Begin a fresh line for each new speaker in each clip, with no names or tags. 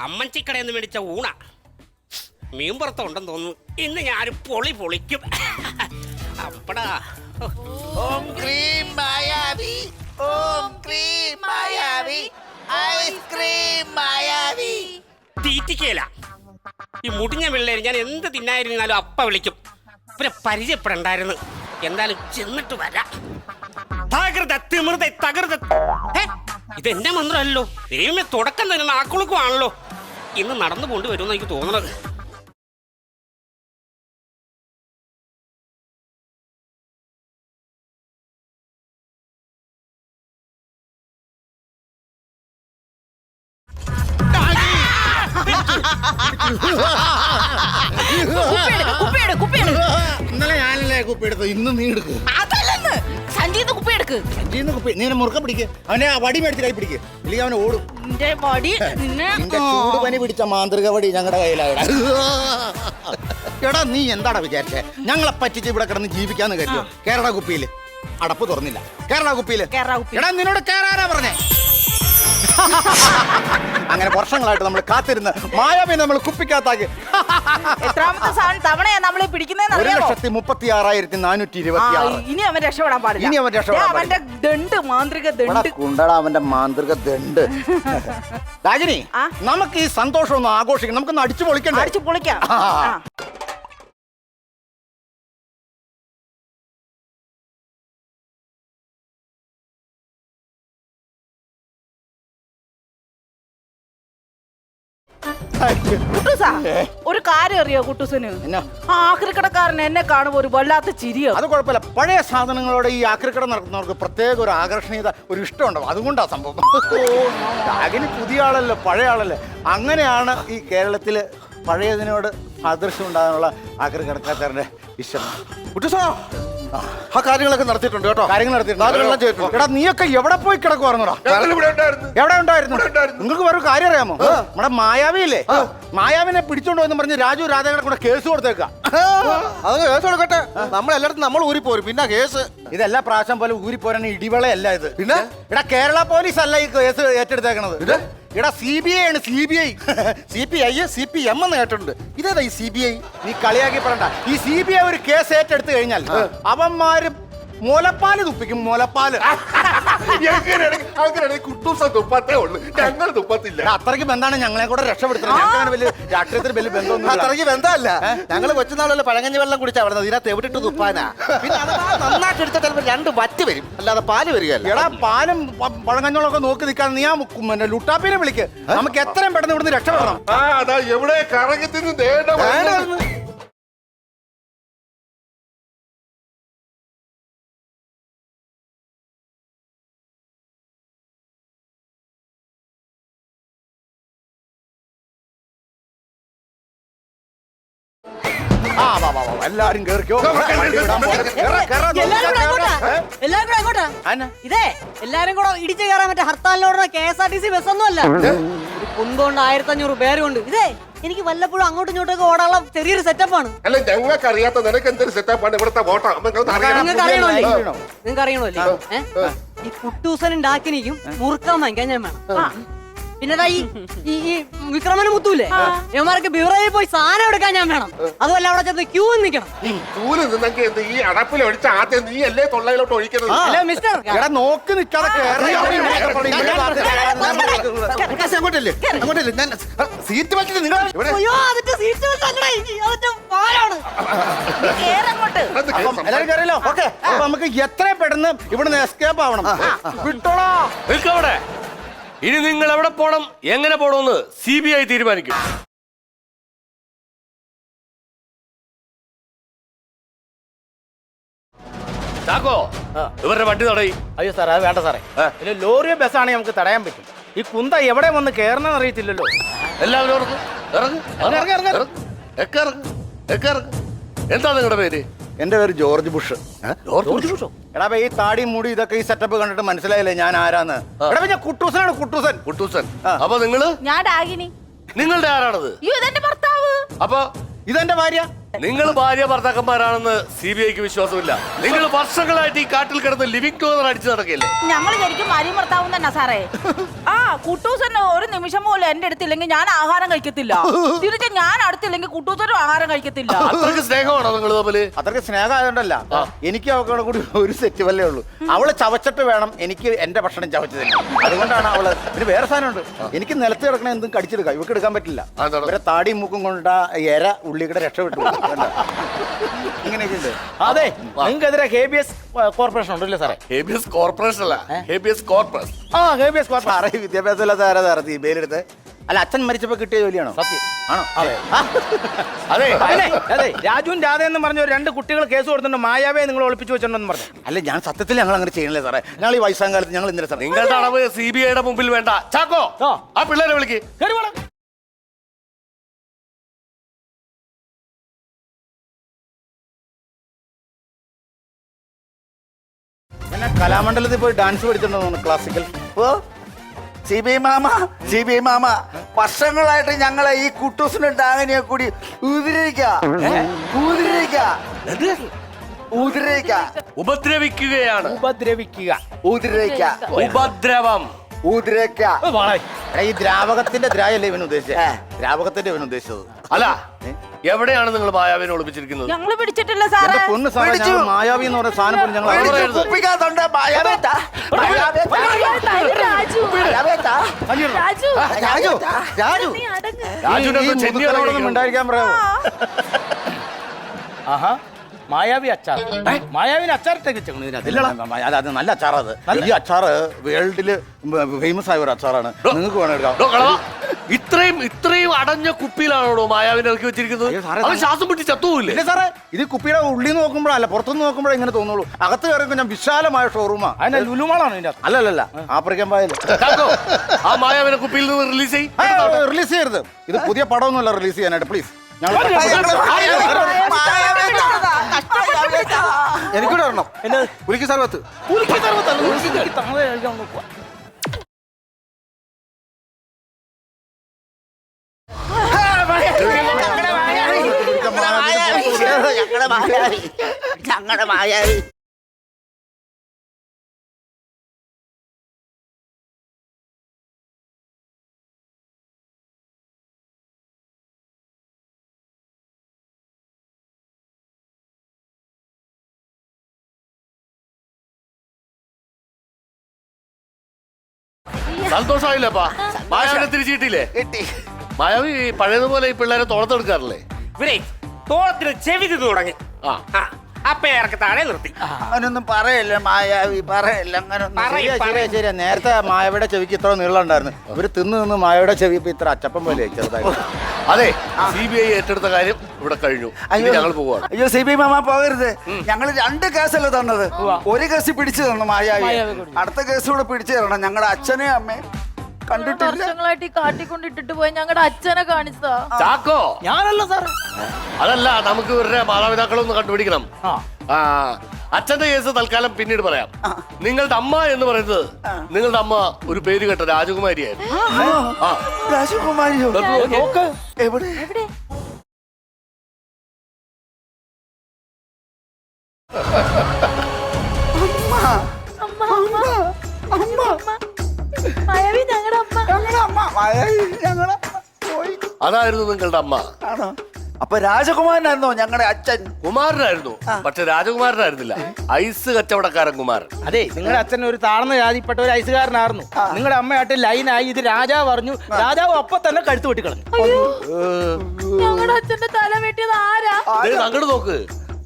അമ്മച്ചിക്കടയിൽ നിന്ന് മേടിച്ച ഊണ മീൻ പുറത്തുണ്ടെന്ന് തോന്നുന്നു. ഇന്ന് ഞാൻ പൊളി പൊളിക്കും. അപ്പടാ
ഓം ക്രീം മായാവി, ഓം ക്രീം മായാവി, ഐസ്ക്രീം മായാവി.
തീറ്റിക്കയില്ല ഈ മുടിഞ്ഞ പിള്ളേര്. ഞാൻ എന്ത് തിന്നായിരുന്നാലും അപ്പ വിളിക്കും. ഇവരെ പരിചയപ്പെടണ്ടായിരുന്നു. എന്തായാലും ചെന്നിട്ട് വരാം. തകൃത തിമിർത തകൃത. ഇതെന്റെ മന്ത്രമല്ലോ. ദൈവമേ, തുടക്കം തന്നെ നാക്കുളുക്കുവാണല്ലോ. ഇന്ന് നടന്നു കൊണ്ട് വരുമെന്ന് എനിക്ക് തോന്നുന്നത്.
ഇന്നലെ ഞാനല്ലേ കുപ്പി എടുത്തു, ഇന്ന് നീ എടുക്ക്.
അതല്ലെന്ന് സഞ്ജീന്ന് കുപ്പി എടുക്ക്.
സഞ്ജീന്ന് കുപ്പി നീ മുറുക്ക പിടിക്ക്. അവനെ ആ വടി മേടിച്ച് കൈ പിടിക്ക്, ഇല്ലെങ്കിൽ അവൻ ഓടും.
നിന്റെ വടി നിന്നെ
ചൂട് പനി പിടിച്ച മാന്ത്രിക വടി ഞങ്ങളുടെ കയ്യിലാണ്. എടാ നീ എന്താടാ വിചാരിച്ചേ? ഞങ്ങളെ പറ്റിച്ച് ഇവിടെ കിടന്ന് ജീവിക്കാന്ന് കരുതോ? കേരള കുപ്പിയില് അടപ്പ് തുറന്നില്ല. കേരള കുപ്പിയില് എടാ നിന്നോട് കേറാനാ പറഞ്ഞേ. അങ്ങനെ വർഷങ്ങളായിട്ട് നമ്മൾ കാത്തിരുന്ന് മായാവി നമ്മൾ കുപ്പിക്കകത്താക്കി.
എത്രാമത്തെ തവണയാ നമ്മളെ പിടിക്കുന്നതെന്ന് അറിയാമോ?
1,36,426.
ഇനി അവൻ രക്ഷപ്പെടാൻ പാടില്ല.
ഇനി അവൻ രക്ഷപ്പെടാൻ
അവന്റെ ദണ്ട് മാന്ത്രിക ദണ്ട്
കുണ്ടടാ, അവന്റെ മാന്ത്രിക ദണ്ട്. രാജിനി, നമുക്ക് ഈ സന്തോഷം ഒന്ന് ആഘോഷിക്കണം. നമുക്കൊന്ന് അടിച്ചു പൊളിക്കണ്ടേ?
അടിച്ചു പൊളിക്കാം. ഒരു കാര്യം അറിയോ കുട്ടൂസന്? ആക്രിക്കടക്കാരൻ എന്നെ കാണുമ്പോ ഒരു വല്ലാത്ത ചിരിയോ.
അത് കുഴപ്പമില്ല. പഴയ സാധനങ്ങളോട് ഈ ആക്രിക്കട നടത്തുന്നവർക്ക് പ്രത്യേക ഒരു ആകർഷണീയത, ഒരു ഇഷ്ടമുണ്ടാവും. അതുകൊണ്ടാ സംഭവം. അതിന് പുതിയ ആളല്ലേ, പഴയ ആളല്ലേ. അങ്ങനെയാണ് ഈ കേരളത്തില് പഴയതിനോട് സാദൃശ്യം ഉണ്ടാകാനുള്ള ആക്രിക്കടക്കാരന്റെ ഇഷ്ടം. ആ കാര്യങ്ങളൊക്കെ നടത്തിയിട്ടുണ്ട് കേട്ടോ. കാര്യങ്ങൾ നടത്തിയിട്ടുണ്ട്. എടാ നീയൊക്കെ എവിടെ പോയി കിടക്കുവായിരുന്നോടാ? എവിടെ ഉണ്ടായിരുന്നു? നിങ്ങൾക്ക് വേറെ കാര്യം അറിയാമോ? നമ്മുടെ മായാവിയില്ലേ, മായാവിനെ പിടിച്ചോണ്ട് വന്ന് പറഞ്ഞ് രാജു രാധയുടെ കൂടെ കേസ് കൊടുത്തേക്കാം.
അത് കേസ് കൊടുക്കട്ടെ. നമ്മളെല്ലായിടത്തും നമ്മൾ ഊരിപ്പോരും. പിന്നെ കേസ്
ഇതെല്ലാ പ്രാവശ്യം പോലെ ഊരിപ്പോരാൻ ഇടിവളയല്ല ഇത്. പിന്നെ എടാ കേരള പോലീസ് അല്ല ഈ കേസ് ഏറ്റെടുത്തേക്കണത്. എടാ CBI ആണ്. CBI.
CPI CPM എന്ന് കേട്ടിട്ടുണ്ട്. ഇതേതാ ഈ CBI?
നീ കളിയാക്കി പറയണ്ട. ഈ CBI ഒരു കേസ് ഏറ്റെടുത്ത് കഴിഞ്ഞാൽ അവന്മാര് മുലപ്പാല് തുപ്പിക്കും. മുലപ്പാല്
കുട്ടൂസ തുപ്പത്തേ ഉള്ളു, ഞങ്ങൾ തുപ്പത്തില്ല.
അത്രയ്ക്ക് ബന്ധാണ് ഞങ്ങളെ കൂടെ രക്ഷപ്പെടുത്തുന്നത്. ഞങ്ങൾക്ക് വലിയ രാഷ്ട്രീയത്തിൽ വലിയ ബന്ധമൊന്നും
അത്രയ്ക്ക് ബന്ധമല്ല. ഞങ്ങൾ കൊച്ചുനാളല്ലേ പഴങ്ങഞ്ഞ വെള്ളം കുടിച്ചാ അവിടെ ഇതിനകത്ത് എവിടെയിട്ട് തുപ്പാനാ. പിന്നെ അത് നന്നായിട്ട് എടുത്ത ചിലപ്പോൾ 2 വറ്റ് വരും, അല്ലാതെ പാല് വരികയല്ല.
എടാ പാലും പഴങ്ങഞ്ഞോളൊക്കെ നോക്കി നിൽക്കാൻ നീ ആ ലുട്ടാപ്പിനെ വിളിക്ക്. നമുക്ക് എത്രയും പെട്ടെന്ന് ഇവിടുന്ന് രക്ഷപ്പെടണം.
എവിടെ കറങ്ങി തിന്ന്
എല്ലാരും കേറിക്കോ.
ഇതേ എല്ലാരും കൂടെ ഇടിച്ചു കയറാൻ പറ്റ ഹർത്താലിനോടുന്ന KSRTC ബസ് ഒന്നും അല്ല. ഒരു കുണ്ടുകൊണ്ട് 1500 പേരുണ്ട്. ഇതേ എനിക്ക് വല്ലപ്പോഴും അങ്ങോട്ടും ഇങ്ങോട്ടൊക്കെ ഓടാനുള്ള ചെറിയൊരു സെറ്റപ്പാണ്.
അല്ല ഞങ്ങൾക്ക് അറിയാത്ത നിനക്ക് എന്തൊരു സെറ്റപ്പാണ് ഇവിടുത്തെ വോട്ടാ.
നിങ്ങൾക്ക് അറിയണമല്ലേ? ഈ കുട്ടൂസനും ഡാക്കിനിക്കും മുറുക്കാൻ വാങ്ങിക്കാൻ ഞാൻ വേണം. പിന്നെ ഈ വിക്രമന് മുത്തൂല്ലേ, ഇവന്മാർക്ക് ബിവറേജിൽ പോയി സാധനം എടുക്കാൻ ഞാൻ വേണം. അതുമല്ല അവിടെ ചെന്ന് ക്യൂ നിൽക്കണം.
ഈ അടപ്പിൽ ഒഴിച്ച ആദ്യം നീ അല്ലേ തൊള്ളയിലോട്ട് ഒഴിക്കുന്നത്?
ഹലോ മിസ്റ്റർ,
നോക്കി നിൽക്കാതെ
സീറ്റ് വെച്ചിട്ട് നിങ്ങൾ
എല്ലാവരും കയറിയല്ലോ. ഓക്കെ, അപ്പൊ നമുക്ക് എത്രയും പെട്ടെന്ന് ഇവിടുന്ന് എസ്കേപ്പ് ആവണം. വിട്ടോളാ.
ഇനി നിങ്ങൾ എവിടെ പോണം, എങ്ങനെ പോണമെന്ന് CBI തീരുമാനിക്കും. ചാക്കോ, ഇവരുടെ വണ്ടി തടയും.
അയ്യോ സാറേ, അത് വേണ്ട സാറേ. ലോറിയോ ബസ്സാണെങ്കിൽ നമുക്ക് തടയാൻ പറ്റും. ഈ കുന്ത എവിടെ വന്ന് കയറണമെന്ന് അറിയത്തില്ലല്ലോ.
എല്ലാവരും എന്താ നിങ്ങളുടെ പേര്?
എന്റെ പേര് ജോർജ് ബുഷ്. എടാ ഈ താടി മുടി ഇതൊക്കെ ഈ സെറ്റപ്പ് കണ്ടിട്ട് മനസ്സിലായില്ലേ ഞാൻ ആരാന്ന്? എടാ ഞാൻ കുട്ടൂസനാണ്.
കുട്ടൂസൻ. അപ്പൊ നിങ്ങള്?
ഞാൻ ഡാഗിനി.
നിങ്ങളുടെ ആരാണത്?
ഇതെന്റെ ഭർത്താവ്.
അപ്പൊ
ഇതെന്റെ ഭാര്യ.
നിങ്ങൾ ഭാര്യ ഭർത്താക്കന്മാരാണെന്ന് CBIക്ക് വിശ്വാസമില്ല. നിങ്ങൾ വർഷങ്ങളായിട്ട് ഈ കാട്ടിൽ കിടന്ന് ലിവിംഗ് ടൂർ അടിച്ചു നടക്കില്ലേ?
ഞങ്ങൾ ശരിക്കും ഭാര്യയും ഭർത്താവും തന്നെ സാറേ. ആ കുട്ടൂസൻ ഒരു നിമിഷം പോലും എന്റെ അടുത്തില്ലെങ്കിൽ ഞാൻ ആഹാരം കഴിക്കത്തില്ല. തിരിച്ച് ഞാൻ അടുത്തില്ലെങ്കിൽ കുട്ടൂസനും ആഹാരം കഴിക്കത്തില്ല.
അത്രയ്ക്ക് സ്നേഹമാണോ നിങ്ങൾ തമ്മില്?
അത്രയ്ക്ക് സ്നേഹമായതുകൊണ്ടല്ല, എനിക്ക് അവക്കോടെ കൂടി ഒരു സെറ്റ് വല്ലേ ഉള്ളൂ. അവള് ചവച്ചിട്ട് വേണം എനിക്ക് എന്റെ ഭക്ഷണം ചവച്ചു തന്നെ. അതുകൊണ്ടാണ് അവള്. പിന്നെ വേറെ സാധനമുണ്ട്, എനിക്ക് നിലത്ത് കിടക്കണ എന്തും കടിച്ചെടുക്കാം, ഇവക്ക് എടുക്കാൻ പറ്റില്ല. ഇവരെ താടിയും മൂക്കും കൊണ്ട് എര ഉള്ളിക്കടെ രക്ഷപ്പെട്ടു. ഇങ്ങനെയൊക്കെ ഉണ്ട്.
അതെ, നിങ്ങൾക്കെതിരെ ഹേബിയസ് കോർപ്പറേഷൻ ഉണ്ടല്ലേ സാറേ?
ഹേബിയസ് കോർപ്പറേഷൻ അല്ല, ഹേബിയസ് കോർപ്പസ്.
ആ ഹേബിയസ് കോർപ്പറേഷൻ. സാറേ വിദ്യാഭ്യാസം ഇല്ലാത്ത ആരാ സാറേ ഈ ബെയിലെടുത്ത്? അല്ല, അച്ഛൻ മരിച്ചപ്പോ കിട്ടിയ ജോലിയാണോ?
സത്യം.
ആണോ?
അതെ,
അതെ, രാജുവും രാധയെന്നും പറഞ്ഞ 2 കുട്ടികൾ കേസ് കൊടുത്തിട്ടുണ്ട്. മായാവേ നിങ്ങൾ ഒളിപ്പിച്ചു വെച്ചിട്ടുണ്ടെന്ന് പറഞ്ഞു.
അല്ല, ഞാൻ സത്യത്തിൽ ഞങ്ങൾ അങ്ങനെ ചെയ്യണല്ലേ സാറേ. ഞങ്ങൾ ഈ വയസ്സാം കാലത്ത് ഞങ്ങൾ ഇന്നലെ സാറേ
നിങ്ങളുടെ അളവ് CBIയുടെ മുമ്പിൽ വേണ്ട. ചാക്കോ, ആ പിള്ളേരെ വിളിക്ക്.
പിന്നെ കലാമണ്ഡലത്തിൽ പോയി ഡാൻസ് പഠിച്ചിട്ടുണ്ടോ ക്ലാസിക്കൽ?
ഓ CBI മാമ വർഷങ്ങളായിട്ട് ഞങ്ങളെ ഈ കുട്ടൂസിനും ഡാങ്ങിനെ കൂടി
ഉപദ്രവിക്കുകയാണ്. ഉപദ്രവം.
ഈ ദ്രാവകത്തിന്റെ ദ്രായല്ലേ ഇവൻ ഉദ്ദേശിച്ചത്? ദ്രാവകത്തിന്റെ ഇവൻ ഉദ്ദേശിച്ചത്
അല്ല, എവിടെയാണ് നിങ്ങൾ മായാവിനെ ഒളിപ്പിച്ചിരിക്കുന്നത്?
ഞങ്ങൾ പിടിച്ചിട്ടില്ല സാറേ.
എന്റെ പൊന്ന് സാറേ, ഞങ്ങൾ മായാവി എന്ന് പറയുന്ന സാധനം പോലും ഞങ്ങൾ ഉണ്ടായിരിക്കാൻ പറയാമോ?
ആഹാ, മായാവി അച്ചാർ. മായാവിന് അച്ചാറിട്ടേക്ക് വെച്ചേക്കണു.
അത് നല്ല അച്ചാറത്. ഈ അച്ചാറ് വേൾഡില് ഫേമസ് ആയ ഒരു അച്ചാറാണ്. നിങ്ങൾക്ക് വേണം എടുക്കാം.
ഇത്രയും അടഞ്ഞ കുപ്പിയിലാണോ മായാവിനെ ഇറക്കി വെച്ചിരിക്കുന്നത്? അവൻ ശ്വാസം പിടിച്ച് ചത്തുപോയില്ലേ?
ഇല്ല സാറേ, ഇത് കുപ്പിയുടെ ഉള്ളിൽ നിന്ന് നോക്കുമ്പോഴല്ല, പുറത്തുനിന്ന് നോക്കുമ്പോഴേ ഇങ്ങനെ തോന്നുള്ളൂ. അകത്ത് കയറി ഞാൻ വിശാലമായ ഷോറൂമാ.
അതിനെ ലുലുമാളാണ് ഇതിന്റെ
അല്ലല്ല, ആഫ്രിക്കൻ പായല്.
ആ മായാവിനെ കുപ്പിയിൽ നിന്ന്
റിലീസ് ചെയ്യരുത്. ഇത് പുതിയ പടമൊന്നുമല്ല റിലീസ് ചെയ്യാനായിട്ട്, പ്ലീസ്.
എനിക്കൂടെ വരണം. പുലിക്ക് സർവത്ത്.
ഞങ്ങളുടെ മായാവി.
സന്തോഷമായില്ലപ്പാ? മായാവിനെ തിരിച്ചു കിട്ടിയില്ലേ? മായാവി പഴയതുപോലെ ഈ പിള്ളേരെ തോളത്തെടുക്കാറില്ലേ?
ഇവരെ തോളത്തിന് ചെവി തിന്നു തുടങ്ങി. അപ്പൊ ഇറക്കി താഴെ നിർത്തി.
അങ്ങനൊന്നും പറയല്ല മായാവി, പറയല്ല അങ്ങനൊന്നും. ശരിയാ, നേരത്തെ മായാവിയുടെ ചെവിക്ക് ഇത്ര നീളം ഉണ്ടായിരുന്നു. ഇവര് തിന്ന് മായാവിയുടെ ചെവി ഇപ്പൊ ഇത്ര അച്ചപ്പം പോലെ ചെറുതായി.
അതെ, CBI ഏറ്റെടുത്ത കാര്യം ഇവിടെ കഴിഞ്ഞു. ഞങ്ങൾ പോവാണ്.
അയ്യോ CBI മാമ പോകരുത്. ഞങ്ങൾ 2 കേസല്ലേ തന്നത്. ഒരു കേസ് പിടിച്ചു തന്നു മായാവി, അടുത്ത കേസ് കൂടെ പിടിച്ചു തരണം. ഞങ്ങളുടെ അച്ഛനെയും അമ്മയും കണ്ടിട്ടില്ല.
വർഷങ്ങളായിട്ട് ഈ കാട്ടിക്കൊണ്ടിട്ടിട്ട് പോയി ഞങ്ങളുടെ അച്ഛനെ കാണിച്ചതാ.
ചാക്കോ,
ഞാനല്ല സാറേ.
അതല്ല, നമുക്ക് ഇവരുടെ മാതാപിതാക്കളൊന്ന് കണ്ടുപിടിക്കണം. അച്ഛന്റെ കേസ് തൽക്കാലം പിന്നീട് പറയാം. നിങ്ങളുടെ അമ്മ എന്ന് പറയുന്നത്, നിങ്ങളുടെ അമ്മ ഒരു പേര് കേട്ട രാജകുമാരിയായിരുന്നു.
രാജകുമാരിയോ? എവിടെ?
മായാവി ഞങ്ങളുടെ അമ്മ.
അതായിരുന്നു നിങ്ങളുടെ അമ്മ.
അപ്പൊ രാജകുമാരനായിരുന്നോ ഞങ്ങളുടെ അച്ഛൻ?
കുമാരനായിരുന്നു, പക്ഷെ രാജകുമാരനായിരുന്നില്ല. ഐസ് കച്ചവടക്കാരൻ കുമാരൻ.
അതെ, നിങ്ങളുടെ അച്ഛൻ ഒരു താഴ്ന്ന ജാതിപ്പെട്ട ഒരു ഐസുകാരനായിരുന്നു. നിങ്ങളുടെ അമ്മയായിട്ട് ലൈനായി ഇത് രാജാവ് പറഞ്ഞു. രാജാവ് അപ്പൊ തന്നെ കഴുത്ത് വെട്ടിക്കളഞ്ഞു.
ഞങ്ങളുടെ അച്ഛന്റെ തല വെട്ടിയത് ആരാ?
അങ്ങോട്ട് നോക്ക്.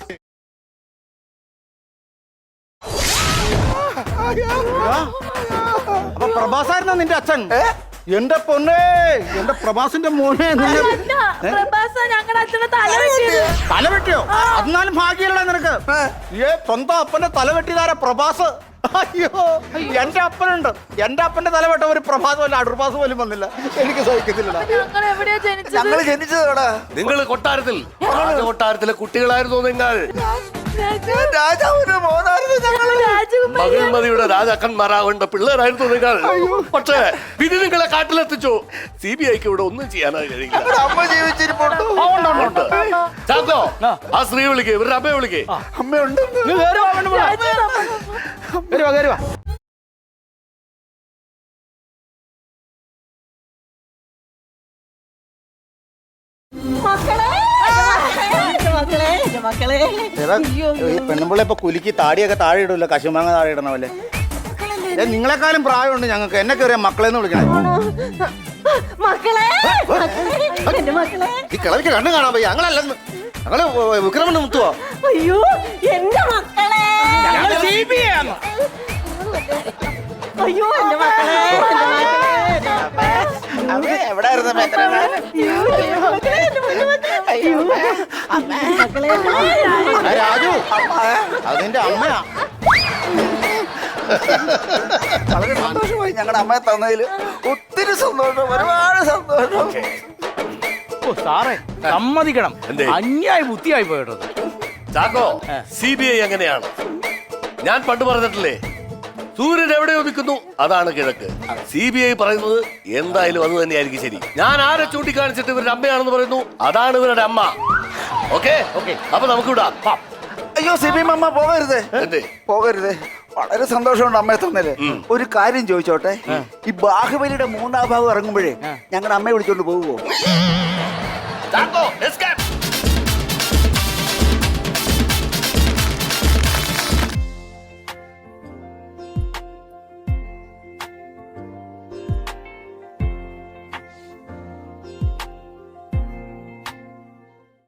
അപ്പൊ പ്രഭാസായിരുന്ന നിന്റെ അച്ഛൻ? എന്റെ പൊന്നേ, എന്റെ പ്രഭാസിന്റെ മോനെ.
ഞങ്ങളുടെ അച്ഛന്റെ തല വെട്ടിയത്.
തല വെട്ടിയോ? എന്നാലും ഭാഗ്യല്ല നിനക്ക്. സ്വന്തം അപ്പന്റെ തല വെട്ടിയതാരാ? പ്രഭാസ്. അയ്യോ, എന്റെ അപ്പനുണ്ട്. എന്റെ അപ്പന്റെ തല വെട്ട ഒരു പ്രഭാസം അല്ല, അടുർഭാസം പോലും വന്നില്ല. എനിക്ക് സഹിക്കത്തില്ല.
ഞങ്ങൾ എവിടെയാ ജനിച്ചത്?
ഞങ്ങൾ ജനിച്ചതോടെ
നിങ്ങൾ കൊട്ടാരത്തിൽ, കൊട്ടാരത്തിലെ കുട്ടികളായിരുന്നു നിങ്ങൾ.
രാജാവിന്റെ മോനായിരുന്നു.
മഹിമതിയുടെ രാജാക്കന്മാരാവേണ്ട പിള്ളേരായിരുന്നു നിങ്ങൾ. പക്ഷേ വിധി നിങ്ങളെ കാട്ടിലെത്തിച്ചു. CBIക്ക് ഇവിടെ ഒന്നും ചെയ്യാനായി കഴിയില്ല.
അമ്മ ജീവിച്ചിരിപ്പുണ്ടോ?
ചാക്കോ, ആ സ്ത്രീ വിളിക്കേ, ഇവരുടെ അമ്മയെ വിളിക്കേ.
അമ്മയുണ്ട്.
നീ കേറി വാ, പെണ്ണുമ്പിള്ള. കേറി വാ, കേറി വാ.
എടാ, ഈ പെണ്ണുമ്പിള്ള ഇപ്പൊ കുലുക്കി താടിയൊക്കെ താഴെ ഇടൂല്ലോ, കശുമാങ്ങ താഴെ ഇടണ പോലെ. നിങ്ങളെക്കാളും പ്രായമുണ്ട് ഞങ്ങൾക്ക്, എന്നെ കയറിയ മക്കളെന്ന് വിളിക്കണേ. ഈ കിളവിക്ക് കണ്ണു കാണാൻ പോയി. ഞങ്ങളല്ലെന്ന്, ഞങ്ങള് വിക്രമന് മുത്തുവോ?
അയ്യോ എന്റെ മക്കളെ
ഞങ്ങള് CBI ആണ്.
അയ്യോ എന്റെ മക്കളെ
എവിടായിരുന്നു
ആ, രാജു, അതിന്റെ അമ്മയാ.
വളരെ സന്തോഷമായി ഞങ്ങളുടെ അമ്മയെ തന്നതിൽ. ഒത്തിരി സന്തോഷം, ഒരുപാട് സന്തോഷം.
ഓ, സാറേ സമ്മതിക്കണം,
എന്തേ?
അന്യായ ബുദ്ധിയായി പോയിട്ടത്.
ചാക്കോ, CBI അങ്ങനെയാണ്. ഞാൻ പണ്ട് പറഞ്ഞിട്ടില്ലേ, സൂര്യൻ എവിടെ ഉദിക്കുന്നു അതാണ് കിഴക്ക്. CBI പറയുന്നത് എന്തായാലും അത് തന്നെയായിരിക്കും ശരി. ഞാൻ ആരെ ചൂണ്ടിക്കാണിച്ചിട്ട് ഇവരുടെ അമ്മയാണെന്ന് പറയുന്നു, അതാണ് ഇവരുടെ അമ്മ. ഓക്കെ ഓക്കെ, അപ്പൊ നമുക്ക് വിടാം.
അയ്യോ സിബി അമ്മ പോകരുത്,
എന്തേ?
പോകരുത്. വളരെ സന്തോഷമുണ്ട് അമ്മയെ തന്നതില്. ഒരു കാര്യം ചോദിച്ചോട്ടെ, ഈ ബാഹുബലിയുടെ 3ാം ഭാഗം ഇറങ്ങുമ്പോഴേ ഞങ്ങളുടെ അമ്മയെ വിളിച്ചോണ്ട് പോകുവോ?
ചാക്കോ, escape.